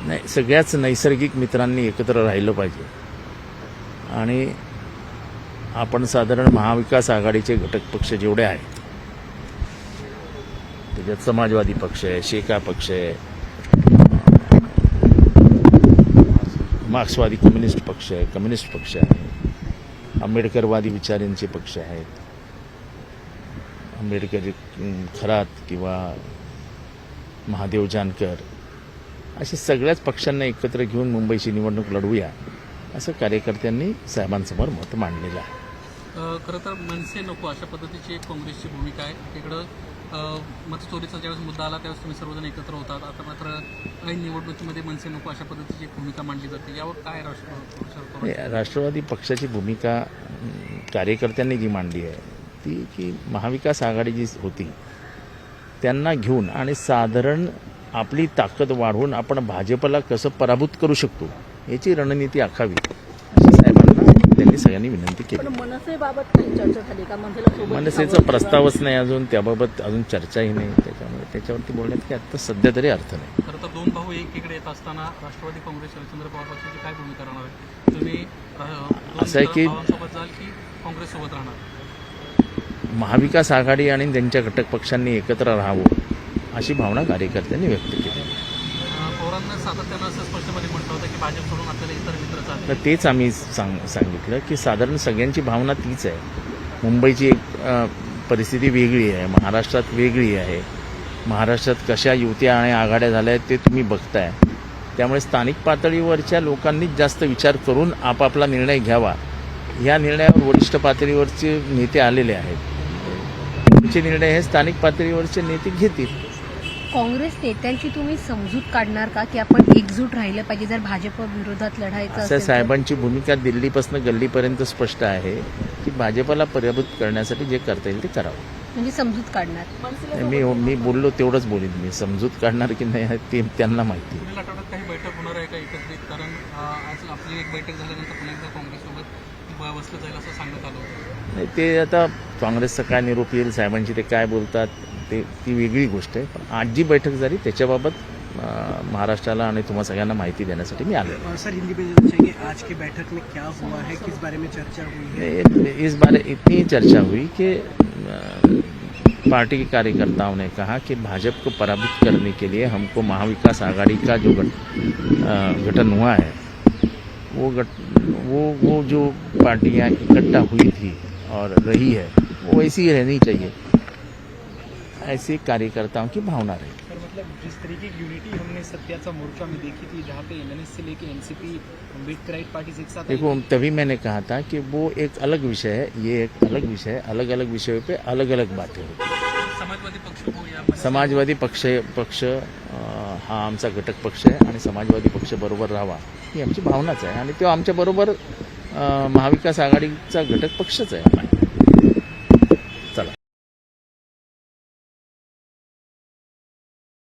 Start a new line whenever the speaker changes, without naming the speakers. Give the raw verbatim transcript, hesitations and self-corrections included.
नाही, सगळ्याच नैसर्गिक मित्रांनी एकत्र राहिलं पाहिजे. आणि आपण साधारण महाविकास आघाडीचे घटक पक्ष जेवढे आहेत त्याच्यात समाजवादी पक्ष आहे, शेका पक्ष आहे, मार्क्सवादी कम्युनिस्ट पक्ष आहे, कम्युनिस्ट पक्ष आहे, आंबेडकरवादी विचारांचे पक्ष आहेत, आंबेडकरी खरात किंवा महादेव जानकर, अशा सगळ्याच पक्षांना एकत्र घेऊन मुंबईची निवडणूक लढवूया असं कार्यकर्त्यांनी साहेबांसमोर मत मांडलेलं आहे.
खरं तर मनसे नको अशा पद्धतीची एक काँग्रेसची भूमिका आहे. तिकडं मतचोरीचा ज्यावेळेस मुद्दा आला त्यावेळेस तुम्ही सर्वजण एकत्र होतात. आता मात्र ऐन निवडणुकीमध्ये मनसे नको अशा पद्धतीची एक भूमिका मांडली जाते. यावर काय राष्ट्र
राष्ट्रवादी पक्षाची भूमिका कार्यकर्त्यांनी जी मांडली आहे ती की महाविकास आघाडी जी होती त्यांना घेऊन आणि साधारण आपली ताकद वाढवून आपण भाजपला कसं पराभूत करू शकतो याची रणनीती आखावी अशी साहेबांना त्यांनी सगळ्यांनी विनंती केली.
मनसेबाबत काही चर्चा झाली का?
मनसेचा प्रस्तावच नाही अजून, त्याबाबत अजून चर्चाही नाही, त्याच्यामुळे त्याच्यावरती बोलण्यात की आता सध्या तरी अर्थ नाही.
खरं तर दोन भाऊ एकीकडे येत असताना राष्ट्रवादी काँग्रेस शरदचंद्र पवार पक्षाची काय भूमिका राहणार आहे? तुम्ही
असं आहे की
सोबत जाल की काँग्रेस सोबत राहणार?
महाविकास आघाडी आणि त्यांच्या घटक पक्षांनी एकत्र राहावं अशी भावना कार्यकर्त्यांनी व्यक्त केली.
पवारांना सातत्यानं असं स्पष्टपणे म्हटलं होतं की भाजप सोडून आपल्याला इतर मित्र चालले.
तर तेच आम्ही सांग सांगितलं की साधारण सगळ्यांची भावना तीच आहे. मुंबईची एक परिस्थिती वेगळी आहे, महाराष्ट्रात वेगळी आहे. महाराष्ट्रात कशा युत्या आणि आघाड्या झाल्या आहेत ते तुम्ही बघताय. त्यामुळे स्थानिक पातळीवरच्या लोकांनीच जास्त विचार करून आपापला निर्णय घ्यावा. या निर्णयावर वरिष्ठ पातळीवरचे नेते आलेले आहेत. पुढचे निर्णय हे स्थानिक पातळीवरचे नेते घेतील.
काँग्रेस नेत्यांची तुम्ही समजूत काढणार का की आपण एकजूट राहिलं पाहिजे जर भाजप विरोधात लढायचं
असं? साहेबांची भूमिका दिल्लीपासून गल्लीपर्यंत स्पष्ट आहे की भाजपला पराभूत करण्यासाठी जे करता येईल ते करावं.
म्हणजे समजूत काढणार?
मी मी बोललो तेवढंच बोलीन. मी समजूत काढणार की नाही ते त्यांना माहिती.
पुढील आठवड्यात काही बैठक होणार आहे का एकत्रित? कारण आज आपली एक बैठक झाल्यानंतर पुन्हा एकदा काँग्रेससोबत बसलं जाईल असं सांगण्यात आलं होतं.
नाही, ते आता काँग्रेसचा काय निरोप येईल, साहेबांची ते काय बोलतात ते ती वेगळी गोष्ट आहे. पण आज जी बैठक झाली त्याच्याबाबत महाराष्ट्राला आणि तुम्हा सगळ्यांना माहिती देण्यासाठी मी आलो.
सर, हिंदी में चाहिए आज की बैठक में क्या हुआ है, किस बारे में चर्चा हुई है?
इस बारे इतनी चर्चा हुई कि पार्टी के कार्यकर्ताओं ने कहा कि भाजपा को पराभूत करने के लिए हमको महाविकास आघाड़ी का जो गठन हुआ है वो गट वो वो जो पार्टियां इकट्ठा हुई थी और रही है वो वैसी ही रहनी चाहिए, ऐसी कार्यकर्ताओं की भावना रही.
सर, मतलब जिस तरीके की यूनिटी हमने सत्याचा मोर्चा में देखी थी जहाँ पे एमएनएस से लेके एनसीपी अम्बेडकराइट पार्टी एक साथ,
देखो तभी मैंने कहा था कि वो एक अलग विषय है, ये एक अलग विषय है. अलग अलग विषयों पे अलग अलग बातें होती.
समाजवादी पक्ष हो या
समाजवादी पक्ष पक्ष हा आमचा घटक पक्ष आहे आणि समाजवादी पक्ष बरोबर राहावा ही आमची भावनाच आहे आणि तो आमच्याबरोबर महाविकास आघाडीचा घटक पक्षच आहे.